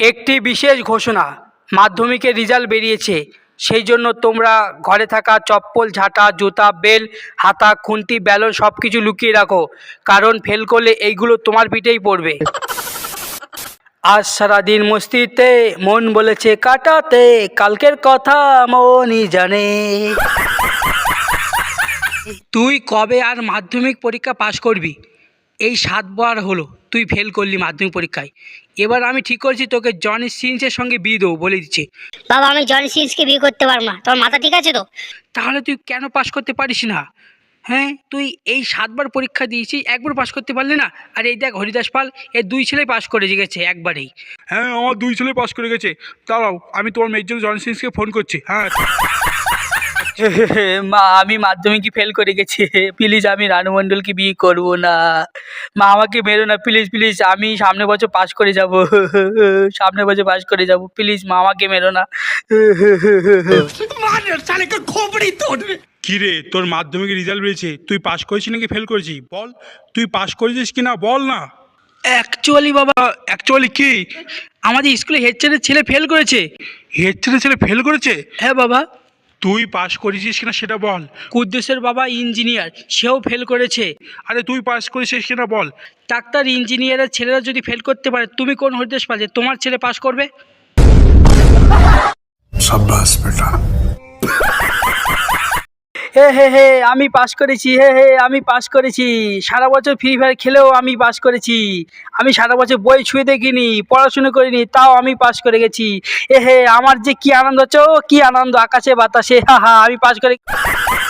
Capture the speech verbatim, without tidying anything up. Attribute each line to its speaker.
Speaker 1: একটি বিশেষ ঘোষণা, মাধ্যমিকের রেজাল্ট বেরিয়েছে। সেই জন্য তোমরা ঘরে থাকা চপ্পল, ঝাঁটা, জুতা, বেল, হাতা, খুন্তি, ব্যালন সব কিছু লুকিয়ে রাখো, কারণ ফেল করলে এইগুলো তোমার পিঠেই পড়বে। আজ সারাদিন মস্তিতে মন বলেছে কাটাতে, কালকের কথা মনই জানে। তুই কবে আর মাধ্যমিক পরীক্ষা পাশ করবি? এই সাতবার হলো তুই ফেল করলি মাধ্যমিক পরীক্ষায়। এবার আমি ঠিক করেছি তোকে জনি সিন্সের সঙ্গে বিয়ে দেবো, বলে দিচ্ছি।
Speaker 2: বাবা, আমি জনি সিন্সকে বিয়ে করতে পারবো না। তোমার মাথা ঠিক আছে তো?
Speaker 1: তাহলে তুই কেন পাশ করতে পারিস না? হ্যাঁ, তুই এই সাতবার পরীক্ষা দিয়েছিস, একবার পাশ করতে পারলি না? আর এই দেখ হরিদাস পাল, এর দুই ছেলে পাশ করে গেছে একবারেই।
Speaker 3: হ্যাঁ, আমার দুই ছেলে পাস করে গেছে। দাঁড়াও, আমি তোমার মেয়ের জন্য জন সিন্সকে ফোন করছি। হ্যাঁ
Speaker 1: মা, আমি মাধ্যমিকই ফেল করে গেছি, প্লিজ আমি রানু মণ্ডলকে বিয়ে করবো না। মা, আমাকে মেরো না প্লিজ প্লিজ, আমি সামনের বছর পাস করে যাব, সামনের বছর পাস করে যাব, প্লিজ মা, আমাকে মেরো না।
Speaker 3: কি রে, তোর মাধ্যমিকের রেজাল্ট বেরিয়েছে, তুই পাস করেছিস নাকি ফেল করেছিস? বল, তুই পাস করেছিস কি না বল না।
Speaker 1: অ্যাকচুয়ালি বাবা,
Speaker 3: অ্যাকচুয়ালি কি?
Speaker 1: আমাদের স্কুলে হেড স্যারের ছেলে ফেল করেছে।
Speaker 3: হেড ছেলে ছেলে ফেল করেছে?
Speaker 1: হ্যাঁ বাবা।
Speaker 3: তুই পাস করেছিস কিনা সেটা বল।
Speaker 1: কুদ্দুসের বাবা ইঞ্জিনিয়ার, সেও ফেল করেছে।
Speaker 3: আরে তুই পাস করেছিস কিনা বল।
Speaker 1: ডাক্তার, ইঞ্জিনিয়ারের ছেলেরা যদি ফেল করতে পারে, তুমি কোন হরিদেশ পাল যে তোমার ছেলে পাস করবে?
Speaker 4: शाबाश बेटा।
Speaker 1: হে হে হে, আমি পাস করেছি, হে হে আমি পাস করেছি। সারা বছর ফ্রি ফায়ার খেলেও আমি পাস করেছি। আমি সারা বছর বই ছুঁয়ে দেখিনি, পড়াশুনো করিনি, তাও আমি পাস করে গেছি। এ হে, আমার যে কি আনন্দ হচ্ছে, ও কি আনন্দ, আকাশে বাতাসে, হা হা, আমি পাস করে।